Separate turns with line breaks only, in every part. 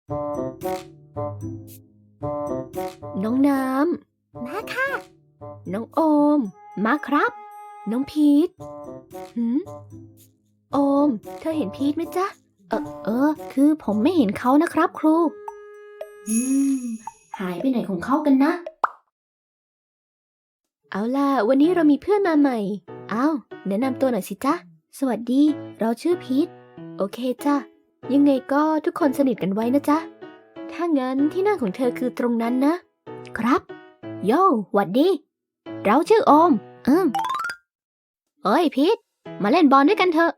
น้องน้ำมาค่ะ น้องโอม มาครับ น้องพีทโอม เธอเห็นพีทไหมจ๊ะ คือผมไม่เห็นเขานะครับครู หายไปไหนของเขากันนะ เอาล่ะ วันนี้เรามีเพื่อนมาใหม่ แนะนำตัวหน่อยสิจ๊ะ สวัสดี เราชื่อพีท โอเคจ้ะ ยังไงก็ทุกคนสนิทกันไว้นะจ๊ะ ถ้างั้นที่นั่งของเธอคือตรงนั้นนะ ครับ โย่หวัดดี เราชื่อโอมเอ้ยพีท มาเล่นบอลด้วยกันเถอะ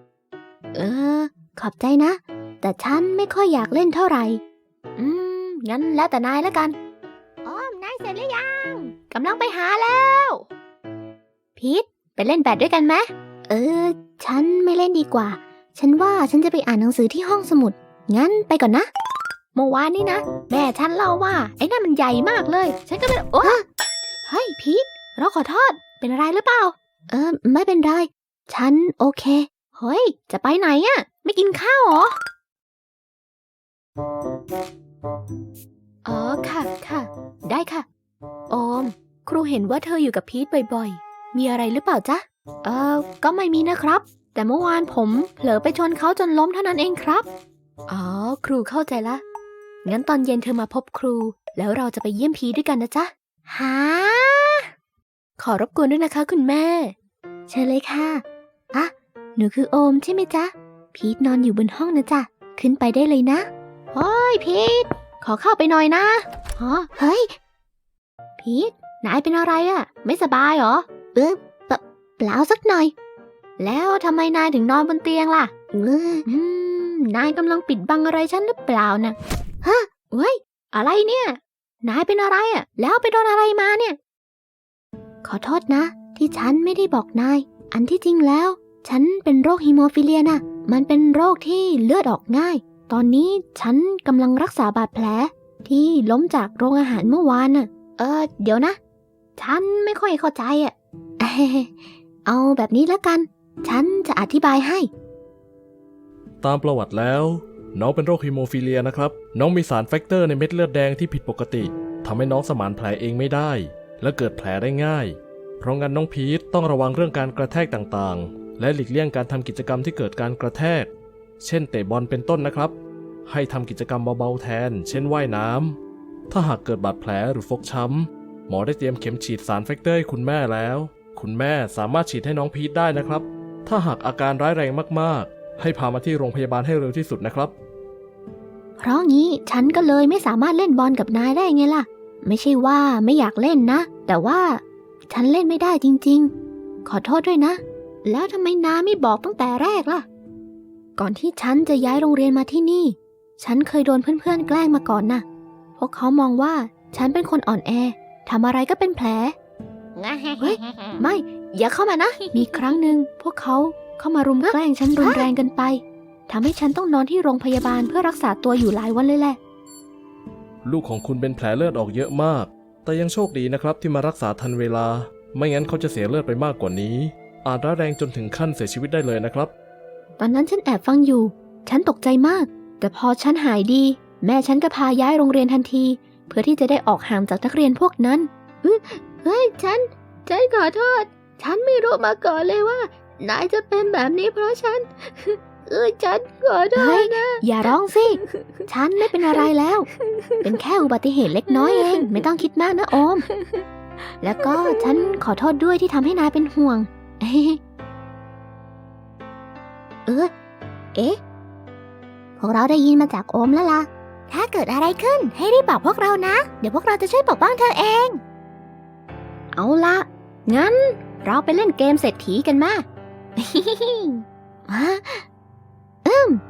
ขอบใจนะ แต่ฉันไม่ค่อยอยากเล่นเท่าไหร่ งั้นแล้วแต่นายแล้วกันโอมนายเสร็จหรือยัง กำลังไปหาแล้ว พีท ไปเล่นแบดด้วยกันไหม ฉันไม่เล่นดีกว่า ฉันว่าฉันจะไปอ่านหนังสือที่ห้องสมุด งั้นไปก่อนนะ เมื่อวานนี้นะ แม่ฉันเล่าว่าไอ้นั่นมันใหญ่มากเลย ฉันก็ไม่เฮ้ยพีท เราขอโทษ เป็นอะไรหรือเปล่า ไม่เป็นไร ฉันโอเค เฮ้ย จะไปไหนอะไม่กินข้าวเหรอ ค่ะ ได้ค่ะ โอม ครูเห็นว่าเธออยู่กับพีทบ่อยๆ มีอะไรหรือเปล่าจ๊ะ ก็ไม่มีนะครับ แต่เมื่อวานผมเผลอไปชนเขาจนล้มเท่านั้นเองครับ ครูเข้าใจละ งั้นตอนเย็นเธอมาพบครู แล้วเราจะไปเยี่ยมพีทด้วยกันนะจ๊ะฮะขอรบกวนด้วยนะคะคุณแม่ เชิญเลยค่ะหนูคือโอมใช่ไหมจ๊ะ พีทนอนอยู่บนห้องนะจ๊ะ ขึ้นไปได้เลยนะเฮ้ยพีท ขอเข้าไปหน่อยนะเฮ้ย พีท นายเป็นอะไรอะไม่สบายเหรอ เปล่าสักหน่อย แล้วทำไมนายถึงนอนบนเตียงล่ะนายกำลังปิดบังอะไรฉันหรือเปล่านะเฮ้ย อะไรเนี่ย นายเป็นอะไรอะแล้วไปโดนอะไรมาเนี่ย ขอโทษนะ ที่ฉันไม่ได้บอกนาย อันที่จริงแล้ว ฉันเป็นโรคฮีโมฟิเลียนะมันเป็นโรคที่เลือดออกง่าย ตอนนี้ฉันกำลังรักษาบาดแผลที่ล้มจากโรงอาหารเมื่อวานน่ะ เดี๋ยวนะ ฉันไม่ค่อยเข้าใจอ่ะ เอาแบบนี้แล้วกัน ฉันจะอธิบายให้
ตามประวัติแล้วน้องเป็นโรคฮีโมฟิเลียนะครับน้องมีสารแฟกเตอร์ในเม็ดเลือดแดงที่ผิดปกติทำให้น้องสมานแผลเองไม่ได้และเกิดแผลได้ง่ายเพราะงั้นน้องพีทต้องระวังเรื่องการกระแทกต่างๆและหลีกเลี่ยงการทำกิจกรรมที่เกิดการกระแทกเช่นเตะบอลเป็นต้นนะครับให้ทำกิจกรรมเบาๆแทนเช่นว่ายน้ำถ้าหากเกิดบาดแผลหรือฟกช้ำหมอได้เตรียมเข็มฉีดสารแฟกเตอร์ให้คุณแม่แล้วคุณแม่สามารถฉีดให้น้องพีทได้นะครับถ้าหากอาการร้ายแรงมากๆให้พามาที่โรงพยาบาลให้เร็วที่สุดนะครับ
เพราะงี้ฉันก็เลยไม่สามารถเล่นบอลกับนายได้ไงล่ะไม่ใช่ว่าไม่อยากเล่นนะแต่ว่าฉันเล่นไม่ได้จริงๆขอโทษด้วยนะแล้วทำไมนายไม่บอกตั้งแต่แรกล่ะก่อนที่ฉันจะย้ายโรงเรียนมาที่นี่ฉันเคยโดนเพื่อนๆแกล้งมาก่อนนะพวกเขามองว่าฉันเป็นคนอ่อนแอทำอะไรก็เป็นแผลเฮ้ยไม่อย่าเข้ามานะมีครั้งหนึ่งพวกเขาเข้ามารุมแกล้งฉันรุนแรงเกินไปทำให้ฉันต้องนอนที่โรงพยาบาลเพื่อรักษาตัวอยู่หลายวันเลยแหละ
ลูกของคุณเป็นแผลเลือดออกเยอะมากแต่ยังโชคดีนะครับที่มารักษาทันเวลาไม่งั้นเขาจะเสียเลือดไปมากกว่านี้อาจร้ายแรงจนถึงขั้นเสียชีวิตได้เลยนะครับ
ตอนนั้นฉันแอบฟังอยู่ฉันตกใจมากแต่พอฉันหายดีแม่ฉันก็พาย้ายโรงเรียนทันทีเพื่อที่จะได้ออกห่างจากนักเรียนพวกนั้นเฮ้ยฉันขอโทษฉันไม่รู้มาก่อนเลยว่านายจะเป็นแบบนี้เพราะฉันฉันขอโทษนะอย่าร้องสิฉันไม่เป็นอะไรแล้วเป็นแค่อุบัติเหตุเล็กน้อยเองไม่ต้องคิดมากนะโอมแล้วก็ฉันขอโทษด้วยที่ทำให้นายเป็นห่วงพวกเราได้ยินมาจากโอมแล้วล่ะถ้าเกิดอะไรขึ้นให้รีบบอกพวกเรานะเดี๋ยวพวกเราจะช่วยปกป้องเธอเองเอาละงั้นเราไปเล่นเกมเศรษฐีกันมา